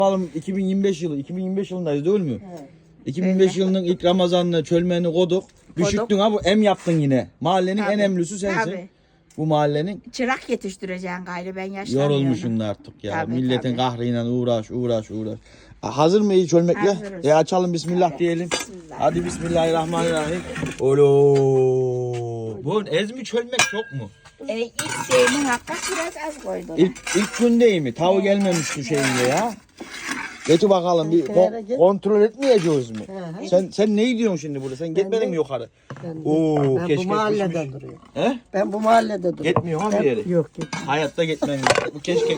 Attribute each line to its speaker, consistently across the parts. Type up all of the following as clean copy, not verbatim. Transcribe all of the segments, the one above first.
Speaker 1: 2025 yılı. 2025 yılındayız değil mi?
Speaker 2: Evet.
Speaker 1: 2005 yılının ilk Ramazan'ını, çölmeni koduk. Üşüttün ha bu em yaptın yine. Mahallenin en emlüsü sensin.
Speaker 2: Tabii.
Speaker 1: Bu mahallenin.
Speaker 2: Çırak yetiştireceksin gayrı, ben yaşlanıyorum.
Speaker 1: Yorulmuşsun artık ya.
Speaker 2: Tabii,
Speaker 1: Milletin
Speaker 2: tabii.
Speaker 1: kahrıyla uğraş. Hazır mıyız çölmekle?
Speaker 2: Hazırız.
Speaker 1: Açalım bismillah
Speaker 2: Hadi.
Speaker 1: diyelim.
Speaker 2: Bismillah.
Speaker 1: Hadi bismillahirrahmanirrahim. Olo. Bu ezmi çölmek çok mu?
Speaker 2: İlk şeyinin hakkı biraz az koydum.
Speaker 1: İlk gün değil mi? Tavu gelmemiş şu şeyinde ya. Getir bakalım bir kontrol etmeyeceğiz mi? Sen ne diyorsun şimdi burada? Sen gitmedin mi yukarı? Oo,
Speaker 3: Ben
Speaker 1: keşke
Speaker 3: bu mahallede
Speaker 1: pişmiş.
Speaker 3: duruyorum.
Speaker 1: He?
Speaker 3: Ben bu mahallede duruyorum.
Speaker 1: Gitmiyor ha bir yere.
Speaker 3: Yok git.
Speaker 1: Hayatta gitmem. Bu keşke.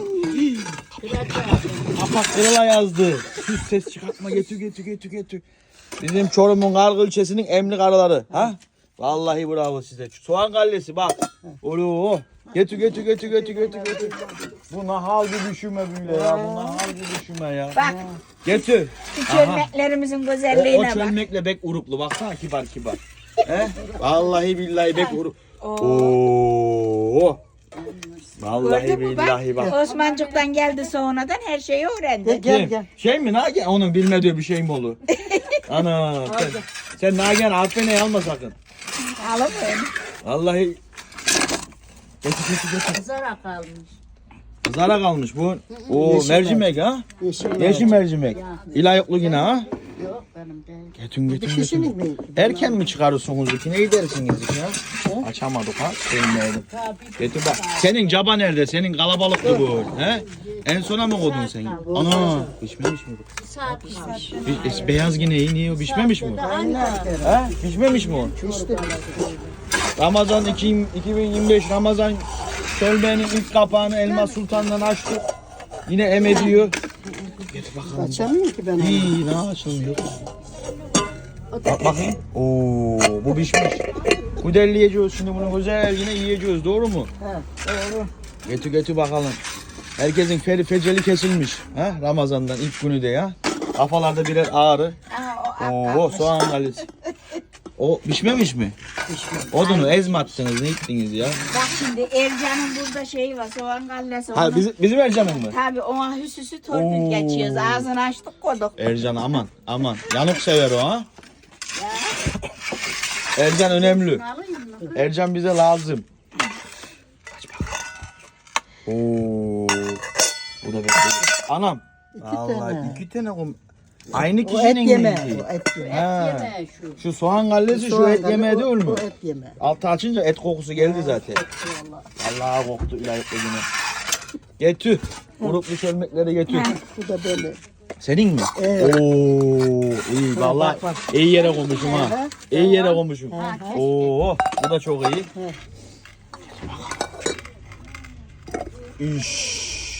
Speaker 1: Kapak kırıla yazdı. Sus ses çıkartma getir. Bizim Çorum'un Kargı ilçesinin emlik arıları. Ha? Vallahi bravo size. Soğan kallesi bak. Olo. Getir. Bu nahal bir düşünme böyle ya. Bu nahal bir düşünme ya.
Speaker 2: Bak
Speaker 1: Getir.
Speaker 2: şu çölmeklerimizin güzelliğine bak.
Speaker 1: Çölmekle bek uruklu. Baksana kibar. He? Vallahi billahi bek uruk. Oo. Vallahi
Speaker 2: Gördün mü
Speaker 1: billahi bak.
Speaker 2: Osmancık'tan geldi sonradan her şeyi öğrendi.
Speaker 3: Gel.
Speaker 1: Şey mi Nagen? Onun bilmediği bir şey mi olur? Ana sen Nagen affene alma sakın.
Speaker 2: Alamıyorum.
Speaker 1: Vallahi. Getir.
Speaker 4: Kızara kalmış.
Speaker 1: Kızara kalmış bu. O
Speaker 3: Yeşil
Speaker 1: mercimek ha? Yeşil mercimek. İlayıklı yine ha?
Speaker 4: Yok benim değil.
Speaker 1: Getir.
Speaker 3: Kişinin mi?
Speaker 1: Erken mi çıkarırsınız ki? Ne gidersiniz ya? Açamadık ha. Sevmeyelim. Getir bak. Senin caba nerede? Senin kalabalıktı bu. He? En sona mı koydun sen? Ana. Pişmemiş mi bu?
Speaker 4: Saat pişmiş.
Speaker 1: Beyaz yine iyi. Niye o? Pişmemiş mi?
Speaker 4: Anne.
Speaker 1: He? Pişmemiş mi o? Ramazan 2025 Ramazan çölmenin ilk kapağını Elmas Sultan'dan açtık. Yine em ediyor. Getir bakalım.
Speaker 3: Açamıyorum ki ben onu.
Speaker 1: İyi ne açılmıyor. Bak bakayım. Oo bu pişmiş. Kudelleyeceğiz şimdi bunu güzel yine yiyeceğiz doğru mu?
Speaker 3: Doğru.
Speaker 1: Getir bakalım. Herkesin feceli kesilmiş. Ha? Ramazan'dan ilk günü de ya. Kafalarda birer ağrı. Oo soğan kalesi. O pişmemiş mi? Odunu ezme attınız ne ettiniz ya?
Speaker 2: Bak şimdi Ercan'ın burada şeyi var, soğan kallesi.
Speaker 1: Ha bizim Ercan'ın mı?
Speaker 2: Tabii ona hüsüsü torpil geçiyoruz. Ağzını açtık koyduk.
Speaker 1: Ercan aman. Yanık sever o ha. Ercan önemli. Ercan bize lazım. Oo. Bu da bekliyor. Anam. Vallahi
Speaker 3: tane.
Speaker 1: 2 tane aynı
Speaker 3: O et
Speaker 1: kişinin
Speaker 3: yeme.
Speaker 1: miydi?
Speaker 3: O et yeme.
Speaker 1: Ha.
Speaker 4: Yeme şu.
Speaker 1: Şu soğan gallesi şu et yemeği değil mi?
Speaker 3: O et yeme.
Speaker 1: Altı açınca et kokusu geldi zaten. Allah'a koktu ilayetli yine. Getir. Uruklu çölmekleri getir.
Speaker 3: Bu da böyle.
Speaker 1: Senin mi?
Speaker 3: Evet.
Speaker 1: Oo, iyi vallahi
Speaker 3: bak.
Speaker 1: iyi yere koymuşum ha. İyi yere koymuşum. Oo, bu da çok iyi. İş.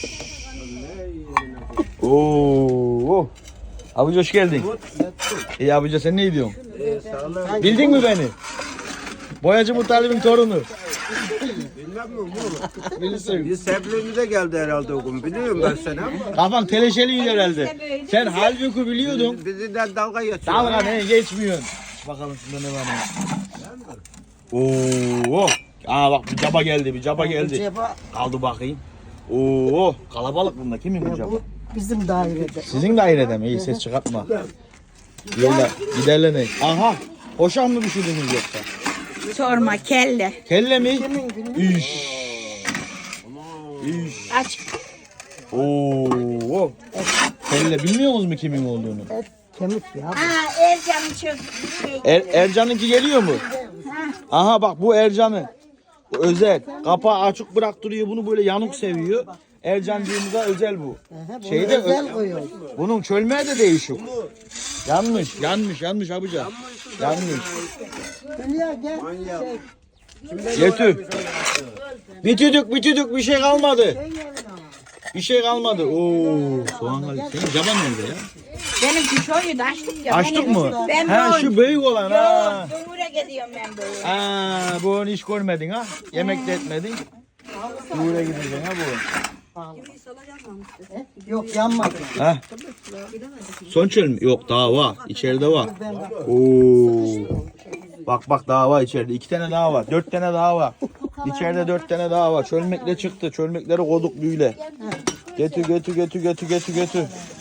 Speaker 1: Oo. Abici hoş geldin. İyi abici sen ne diyorsun? Bildin mi beni? Boyacı Mutalib'in torunu.
Speaker 5: Bilmem mi bu?
Speaker 1: Bilirsin.
Speaker 5: Biz seblemize geldi herhalde o gün. Biliyorum ben seni ama.
Speaker 1: Kafan teleşeliydi herhalde. Sen halbuki biliyordun.
Speaker 5: Bizimden dalga geçiyor.
Speaker 1: Dalga ne geçmiyorsun. Bakalım şunda ne var ne. Oo. Aa bak bir caba geldi.
Speaker 3: Ceba
Speaker 1: Kaldı bakayım. Oo kalabalık bunda. Kimin bu caba?
Speaker 3: bu bizim dairede.
Speaker 1: Sizin dairede mi? İyi ses çıkartma. Yolla giderleneyin. Aha. Hoşan mı pişirdiniz yoksa?
Speaker 2: Sorma, kelle.
Speaker 1: Kelle mi?
Speaker 3: Kimin günü?
Speaker 1: İş.
Speaker 2: Aç.
Speaker 1: Oo. Kelle bilmiyor musunuz mu kimin olduğunu?
Speaker 3: Et kemik ya.
Speaker 2: Ercan'ın çok şey.
Speaker 1: Ercan'ınki geliyor mu? Aha bak bu Ercan'ı. Bu özel. Kapağı açık bıraktırıyor. Bunu böyle yanık seviyor. Ercancığımıza özel bu.
Speaker 3: Bunu
Speaker 1: Şeyde
Speaker 3: özel koyuyor.
Speaker 1: bunun çölmeye de değişik. Yanmış abica. Yanmış.
Speaker 3: Hülya gel.
Speaker 1: Getir. Bitirdik bir şey kalmadı. Bir şey kalmadı. Oo, soğan kaldı. Senin caban nerede ya?
Speaker 2: Benimki şoydu, açtık ya.
Speaker 1: Açtık mı?
Speaker 2: Ben
Speaker 1: Ha şu büyük olan ha.
Speaker 2: Yok, Cumhur'a gidiyorum ben böyle.
Speaker 1: Ha, bu onu hiç görmedin ha. Yemek de etmedin. Buraya gideceksin ha bu.
Speaker 3: Yok yanmadı.
Speaker 1: Ha. Son çöl mü? Yok daha var. İçeride var. Oo. Bak daha var içeride. 2 tane daha var. 4 tane daha var. İçeride 4 tane daha var. Çölmekle çıktı. Çölmekleri koduk büyüle. Getir.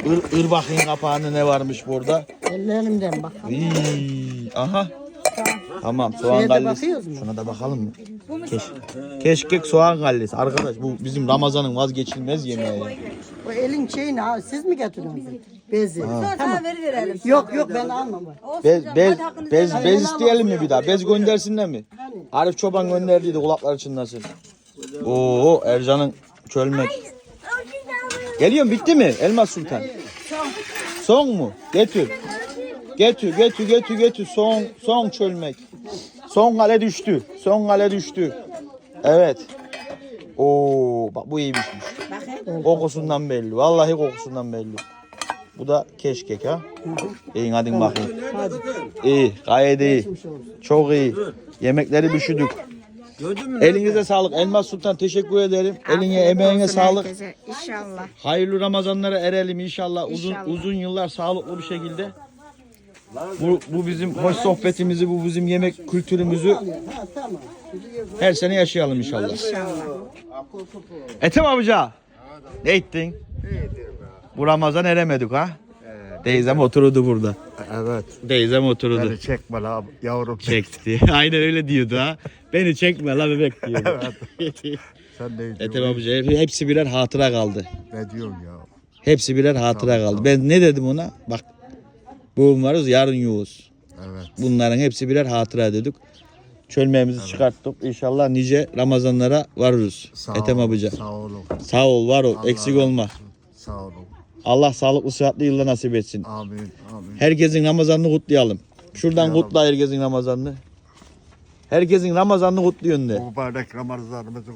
Speaker 1: ır bakayım kapağında ne varmış burada.
Speaker 3: Ellerimden bakalım.
Speaker 1: Aha. Tamam soğan
Speaker 3: Şeye de
Speaker 1: kallesi.
Speaker 3: bakıyoruz mu?
Speaker 1: Şuna da bakalım mı? Keşkek soğan kallesi. Arkadaş bu bizim Ramazan'ın vazgeçilmez yemeği. ya.
Speaker 3: O elin şeyini ha, siz mi getiriyorsunuz? Bezi.
Speaker 2: Tamam verelim.
Speaker 3: Yok ben almam.
Speaker 1: Bez isteyelim mi bir daha? Bez göndersinler mi? Arif Çoban gönderdiydi kulakları çınlasın. Oo Ercan'ın çölmek. Geliyorum bitti mi Elmas Sultan? Son mu? Getir. Getir. Son çölmek. Son kale düştü. Evet. Oo bak bu iyiymişmiş. Kokusundan belli. Vallahi kokusundan belli. Bu da keşkek ha. İyi hadi bakayım. İyi, gayet iyi. Çok iyi. Yemekleri pişirdik.
Speaker 5: Gördün mü?
Speaker 1: Elinize sağlık. Elmas Sultan teşekkür ederim. Eline emeğine sağlık.
Speaker 2: İnşallah.
Speaker 1: Hayırlı Ramazanlara erelim inşallah. Uzun yıllar sağlıklı bir şekilde. Bu bizim hoş sohbetimizi, bu bizim yemek kültürümüzü her sene yaşayalım inşallah. Ethem amca. Ne ettin? Bu Ramazan eremedik ha? Teyzem oturdu burada.
Speaker 5: Evet.
Speaker 1: Teyzem oturdu.
Speaker 5: Beni çekme la yavrum.
Speaker 1: Çekti. Aynen öyle diyordu ha. Beni çekme la bebek diyordu.
Speaker 5: Sen ne
Speaker 1: Ethem
Speaker 5: diyorsun?
Speaker 1: amca hepsi birer hatıra kaldı.
Speaker 5: Ne diyorsun ya?
Speaker 1: Hepsi birer hatıra kaldı. Ben ne dedim ona? Bak bugün varız yarın yoğuz.
Speaker 5: Evet.
Speaker 1: Bunların hepsi birer hatıra dedik. Çölmeğimizi çıkarttık. İnşallah nice Ramazanlara varırız. Ethem abica.
Speaker 5: Sağ olun.
Speaker 1: Sağ ol, var ol.
Speaker 5: Allah
Speaker 1: Eksik
Speaker 5: razı
Speaker 1: olma.
Speaker 5: olsun. Sağ olun.
Speaker 1: Allah sağlıklı sıhhatli yılda nasip etsin.
Speaker 5: Amin. Amin.
Speaker 1: Herkesin Ramazanını kutlayalım. Şuradan kutla herkesin Ramazanını. Herkesin Ramazanını kutluyorsun de.
Speaker 5: Bu mübarek Ramazanımızın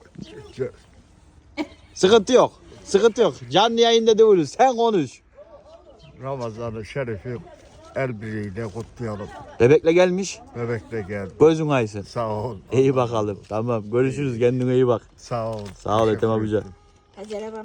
Speaker 1: Sıkıntı yok. Sıkıntı yok. Canlı yayında değiliz. Sen konuş.
Speaker 5: Ramazanı şerifi el birliğiyle kutlayalım.
Speaker 1: Bebekle gelmiş.
Speaker 5: Bebek de geldi.
Speaker 1: Gözün aysın.
Speaker 5: Sağ ol.
Speaker 1: İyi bakalım. Tamam. Görüşürüz. Kendine iyi bak.
Speaker 5: Sağ ol.
Speaker 1: Sağ ol Ethem
Speaker 5: Teşekkür
Speaker 1: abica.
Speaker 5: ederim.
Speaker 2: Acele